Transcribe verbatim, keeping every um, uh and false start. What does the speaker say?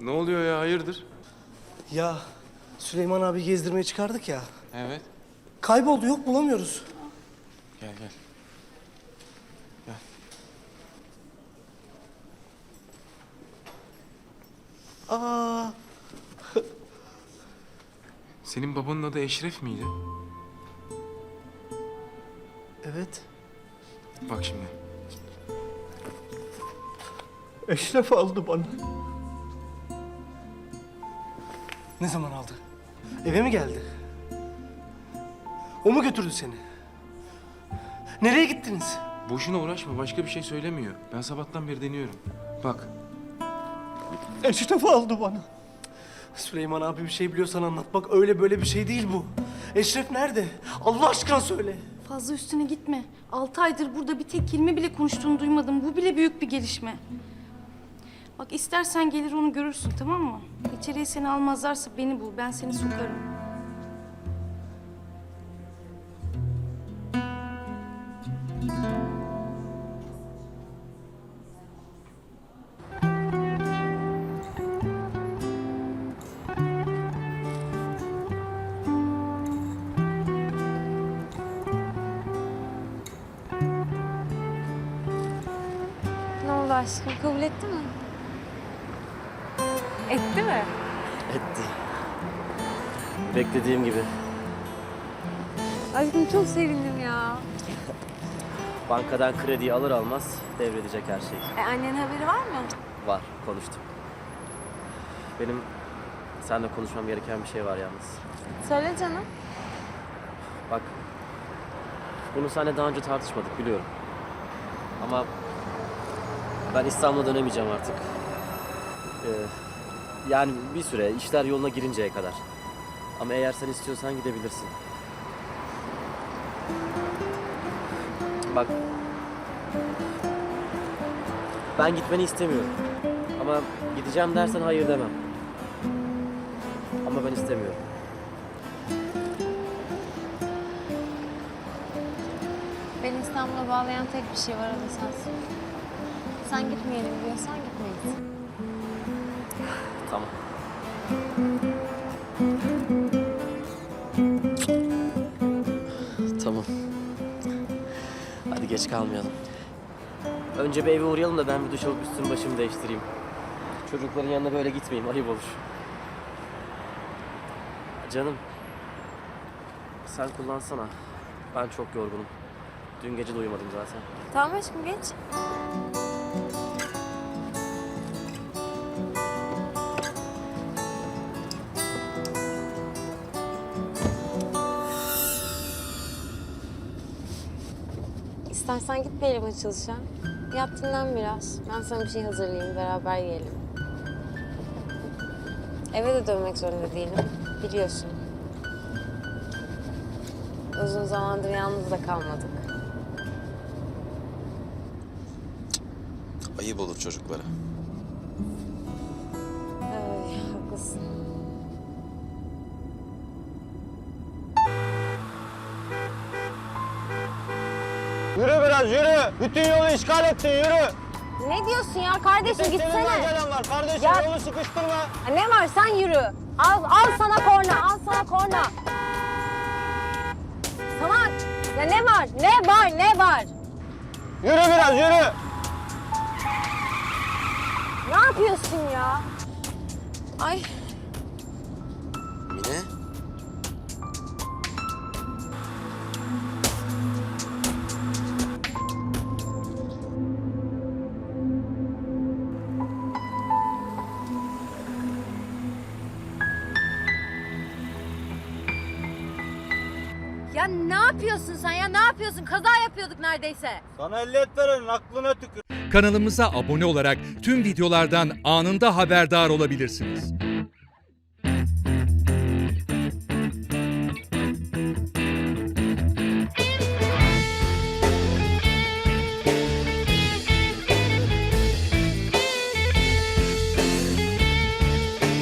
Ne oluyor ya, hayırdır? Ya Süleyman abi gezdirmeye çıkardık ya. Evet. Kayboldu, yok bulamıyoruz. Gel gel. Gel. Aa, Senin babanın adı Eşref miydi? evet. Bak şimdi. Eşref aldı bana. Ne zaman aldı? Eve mi geldi? O mu götürdü seni? Nereye gittiniz? Boşuna uğraşma, başka bir şey söylemiyor. Ben sabahtan beri deniyorum. Bak. Eşref aldı bana. Süleyman abi bir şey biliyorsan anlat. Bak öyle böyle bir şey değil bu. Eşref nerede? Allah aşkına söyle. Fazla üstüne gitme. Altı aydır burada bir tek kelime bile konuştuğunu duymadım. Bu bile büyük bir gelişme. Bak istersen gelir onu görürsün, tamam mı? İçeriye seni almazlarsa beni bul. Ben seni sokarım. Ne oldu aşkım? Kabul etti mi? Etti mi? Etti. Beklediğim gibi. Aşkım çok sevindim ya. Bankadan krediyi alır almaz devredecek her şey. E, annenin haberi var mı? Var, konuştum. Benim seninle konuşmam gereken bir şey var yalnız. Söyle canım. Bak, bunu seninle daha önce tartışmadık biliyorum. Ama ben İstanbul'a dönemeyeceğim artık. Ee, yani bir süre, işler yoluna girinceye kadar. Ama eğer sen istiyorsan gidebilirsin. Bak, ben gitmeni istemiyorum. Ama gideceğim dersen hayır demem. Ama ben istemiyorum. Beni İstanbul'a bağlayan tek bir şey var, o da sensin. Sen gitmeyelim diyorsan gitmeyiz. Tamam. Tamam. Hadi geç kalmayalım. Önce bir eve uğrayalım da ben bir duş alıp üstümü başımı değiştireyim. Çocukların yanına böyle gitmeyeyim, ayıp olur. Canım. Sen kullansana. Ben çok yorgunum. Dün gece de uyumadım zaten. Tamam aşkım, geç. İstersen gitmeyelim açılışa. Yat dinlen biraz. Ben sana bir şey hazırlayayım, beraber yiyelim. Eve de dönmek zorunda değilim, biliyorsun. Uzun zamandır yalnız da kalmadık. Ayıp olur çocuklara. Ay, haklısın. Yürü biraz yürü. Bütün yolu işgal ettin yürü. Ne diyorsun ya kardeşim, Senin gitsene. daha gelen var kardeşim, Ya- yolu sıkıştırma. Ha, ne var, sen yürü. Al, al sana korna, al sana korna. Sana, ya ne var, ne var, ne var? Yürü biraz yürü. Ne yapıyorsun ya? Ay, Mine? ya ne yapıyorsun sen ya, ne yapıyorsun? Kaza yapıyorduk neredeyse. Sana ehliyet verenin aklına tükür. Kanalımıza abone olarak tüm videolardan anında haberdar olabilirsiniz.